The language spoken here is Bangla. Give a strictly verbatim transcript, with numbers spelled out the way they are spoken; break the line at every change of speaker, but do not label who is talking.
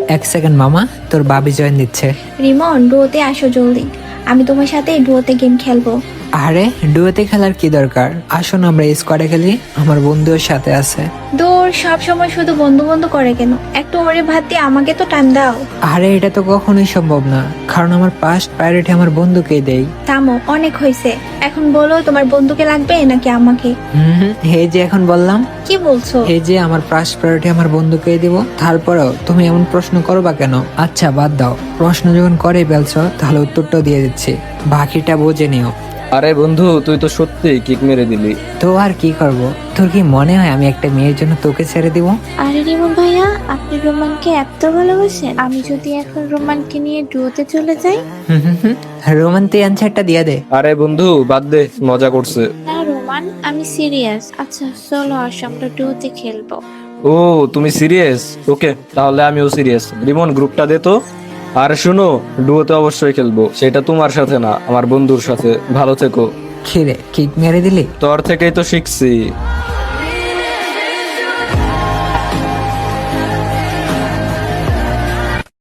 এক সেকেন্ড মামা, তোর বাবি জয়েন দিচ্ছে।
রিমন, ডুয়োতে আসো জলদি, আমি তোমার সাথে ডুয়োতে গেম খেলবো।
আরে ডুয়োতে খেলার কি দরকার, আসো না আমরা স্কোয়াডে খেলি, আমার বন্ধুর সাথে আছে।
দূর, সব সময় শুধু বন্ধু বন্ধু করে কেন? একটু ওরে ভাত দিয়ে আমাকে তো টান দাও।
আরে এটা তো কখনোই সম্ভব না, কারণ আমার ফার্স্ট প্রায়োরিটি আমার বন্ধুকেই দেই।
থামো, অনেক হয়েছে। এখন বলো তোমার বন্ধুকে লাগবে নাকি আমাকে?
হুম, এই যে এখন বললাম,
কি বলছো?
এই যে আমার ফার্স্ট প্রায়োরিটি আমার বন্ধুকেই দিব, তারপরেও তুমি এমন প্রশ্ন করবা কেন? আচ্ছা বাদ দাও, প্রশ্ন যখন করে ফেলছো তাহলে উত্তরটাও দিয়ে দিচ্ছি, বাকিটা বুঝে নিও।
আরে বন্ধু, তুই তো সত্যি কিক মেরে দিলি।
তো আর কি করব, তোর কি মনে হয় আমি একটা মেয়ের জন্য তোকে ছেড়ে দিব?
আরে রিমন ভাইয়া, আপনি রোমানকে এত ভালোবাসেন? আমি যদি এখন রোমানকে নিয়ে ডুয়োতে চলে যাই?
রোমান্টিক অ্যান্সারটা দিয়ে দে।
আরে বন্ধু বাদ দে, মজা করছে।
না রোমান, আমি সিরিয়াস। আচ্ছা চলো আসো, আমরা ডুয়োতে খেলবো।
ও তুমি সিরিয়াস? ওকে, তাহলে আমিও সিরিয়াস। রিমন গ্রুপটা দে তো। আর শুনো, ডুয়োতে অবশ্যই খেলবো, সেটা তোমার সাথে না, আমার বন্ধুর সাথে। ভালো থেকো।
খিরে কিক মেরে দিলি?
তোর থেকেই তো শিখছি।